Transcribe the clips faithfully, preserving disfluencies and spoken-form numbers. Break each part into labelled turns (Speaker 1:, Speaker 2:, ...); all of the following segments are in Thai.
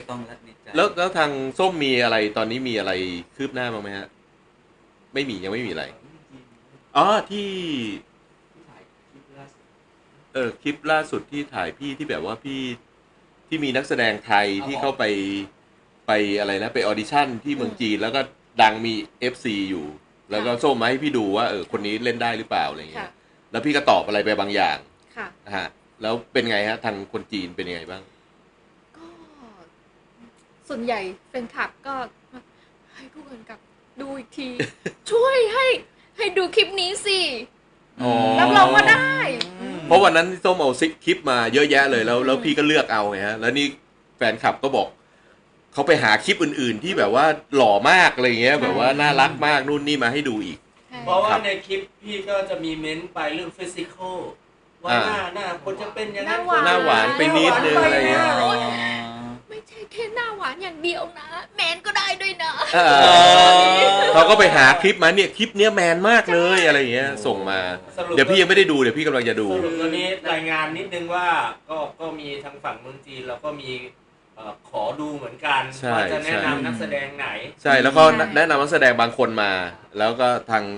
Speaker 1: ต้องและดีใจ
Speaker 2: แล้วแล้วทางส้มมีอะไรตอนนี้มีอะไรคืบหน้าบ้างไหมฮะไม่มียังไม่มีอะไรอ๋อที่เออคลิปล่าสุดที่ถ่ายพี่ที่แบบว่าพี่ที่มีนักแสดงไทยที่เข้าไปไปอะไรนะไปออดิชั่นที่เมืองจีนแล้วก็ดังมี เอฟ ซี อยู่แล้วก็ส้มมาให้พี่ดูว่าเออคนนี้เล่นได้หรือเปล่าอะไรเงี้ยแล้วพี่ก็ตอบอะไรไปบางอย่างนะฮะแล้วเป็นไงฮะทางคนจีนเป็นยังไงบ้าง
Speaker 3: ก็ส่วนใหญ่แฟนคลับก็ให้ผู้กำกับดูอีกที ช่วยให้ให้ดูคลิปนี้สิรับรองว่าได้
Speaker 2: เพราะวันนั้นส้มเอาซิกคลิปมาเยอะแยะเลยแล้วแล้วพี่ก็เลือกเอาไงฮะแล้วนี่แฟนคลับก็บอกเขาไปหาคลิปอื่นๆที่แบบว่าหล่อมากอะไรเงี้ยแบบว่าน่ารักมากนู่นนี่มาให้ดูอีก
Speaker 4: เพราะว่าในคลิปพี่ก็จะมีเม้นไปเรื่องฟิสิกอลว่าหน้าหน้าคนจะเป็นยังไง
Speaker 2: หน้าหวานไปนิดนึงอะไรเงี้ย
Speaker 3: ไม่ใช่แค่หน้าหวานอย่างเดียวนะแมนก็ได้ด้วยนะ
Speaker 2: เขาก็ไปหาคลิปมาเนี่ยคลิปเนี้ยแมนมากเลยอะไรเงี้ยส่งมาเดี๋ยวพี่ยังไม่ได้ดูเดี๋ยวพี่กำลังจะดู
Speaker 4: สรุปตัวนี้รายงานนิดนึงว่าก็ก็มีทางฝั่งเมืองจีนแล้วก็มีขอดูเหมือนกันว่าจะแนะนำนักแสดงไหน
Speaker 2: ใช่แล้วก็แนะนำนักแสดงบางคนมาแล้วก็ทาง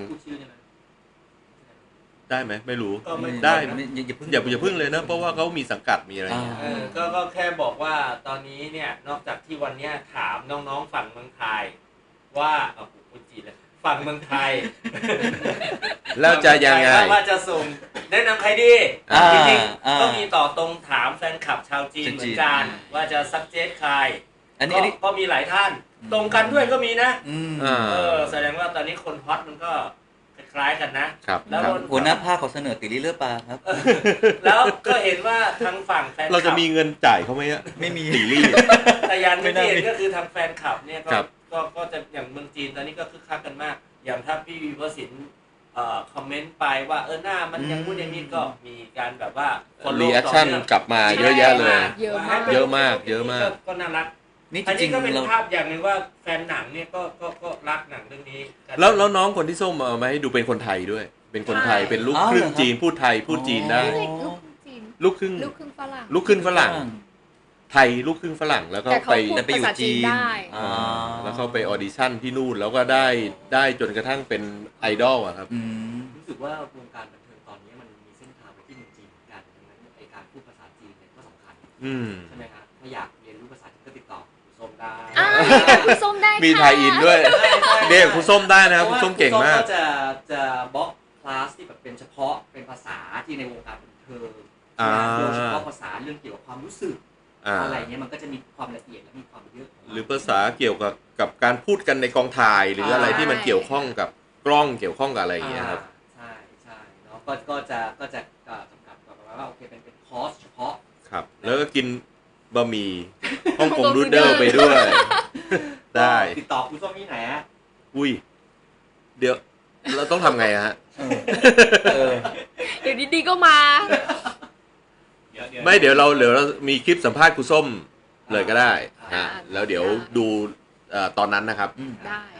Speaker 2: ได้ไหมไม่รู้ได้อย่าอย่าอย่าพึ่งเลยนะเพราะว่าเขามีสังกัดมีอะไรเงี้ย
Speaker 4: ก็ก็แค่บอกว่าตอนนี้เนี่ยนอกจากที่วันนี้ถามน้องๆฝั่งเมืองไทยว่าเอาพูดจีนเลยฝั่งเมืองไทย
Speaker 2: แล้วจะยังไง
Speaker 4: ว่าจะส่งแนะนำใครดีจริงๆก็มีต่อตรงถามแฟนคลับชาวจีนเหมือนกันว่าจะซักเจสใครอันนี้ก็มีหลายท่านตรงกันด้วยก็มีนะเออแสดงว่าตอนนี้คนฮอตมันก็คล้ายกันนะ
Speaker 2: แล้ว
Speaker 1: หัวหน้าภาคเขาเสนอติลิเลือปลาครับ
Speaker 4: แล้วก็เห็นว่าทางฝั่งแฟนคลับ
Speaker 2: เราจะมีเงินจ่ายเขาไหมอะ
Speaker 1: ไม่มี
Speaker 2: ติลี่
Speaker 4: แต่ยันไม่ได้ก็คือทางแฟนคลับเนี่ยก็ก็ก็จะอย่างเมืองจีนตอนนี้ก็คึกคักกันมากอย่างถ้าพี่วิวสินเอ่อคอมเมนต์ไปว่าเออหน้ามันยังพูดอย่างนี้ก็มีการแบบว่า
Speaker 2: คนรีแอคชั่นกลับมาเยอะแยะเลยเยอะมากเยอะมากเยอะมาก
Speaker 4: ก็น่ารักนี่จริงๆก็เป็นภาพอย่างหนึ่งว่าแฟนหนังเนี่ยก็ก็ก็รักหนังเรื่องนี้
Speaker 2: แล้วแล้วน้องคนที่ส้มเอามาให้ดูเป็นคนไทยด้วยเป็นคนไทยเป็นลูกครึ่งจีนพูดไทยพูดจีนได้ลูกครึ่ง
Speaker 3: ลูกครึ่งฝรั่ง
Speaker 2: ลูกครึ่งฝรั่งไทยลูกครึ่งฝรั่งแล้วก็ไป
Speaker 1: ไปอยู่จีน
Speaker 2: แล้วเขาไปออดิชั่นที่นู่นแล้วก็ได้ได้จนกระทั่งเป็นไอดอลอะครับ
Speaker 4: รู้สึกว่าวงการบันเทิงตอนนี้มันมีเส้นทางไปที่เมืองจีนกันดังนั้นไอการพูดภาษาจีนเนี่ยก็สำคัญใช่ไหมครับถ้าอยากเรียนรู้ภาษาจีนก็ติดต่อคุณส้มได้
Speaker 3: คุณส้มได้
Speaker 2: มีไทยอินด้วยเด็กคุณส้มได้นะครับคุณส้มเก่งมาก
Speaker 4: จะจะบล็อกคลาสที่แบบเป็นเฉพาะเป็นภาษาที่ในวงการบันเทิงโดยเฉพาะภาษาเรื่องเกี่ยวกับความรู้สึกอะไรเงี้ยมันก็จะมีความละเอียดและมีความเยอะ
Speaker 2: หรือภาษาเกี่ยวกับกับการพูดกันในกองถ่ายหรืออะไรที่มันเกี่ยวข้องกับกล้องเกี่ยวข้องกับอะไรอย่างเงี้ยครับ
Speaker 4: ใช่ใช่เนาะก็ก็จะก็จะจำกัดแบบว่าโอเคเป็นเป็นคอร์สเฉพาะ
Speaker 2: ครับแล้วก็กินบะหมี่ฮ่องกงนูดเดิลไปด้วยได้
Speaker 4: ติดต่อคุณส้มที่ไหนฮะ
Speaker 2: อุ้ยเดี๋ยวเราต้องทำไงฮะ
Speaker 3: เดี๋ยวดีๆก็มา
Speaker 2: ไม่เดี๋ยวเราเดี๋ยวเรามีคลิปสัมภาษณ์ครูส้มเลยก็ได้ฮะแล้วเดี๋ยวดูตอนนั้นนะครับ
Speaker 3: ได้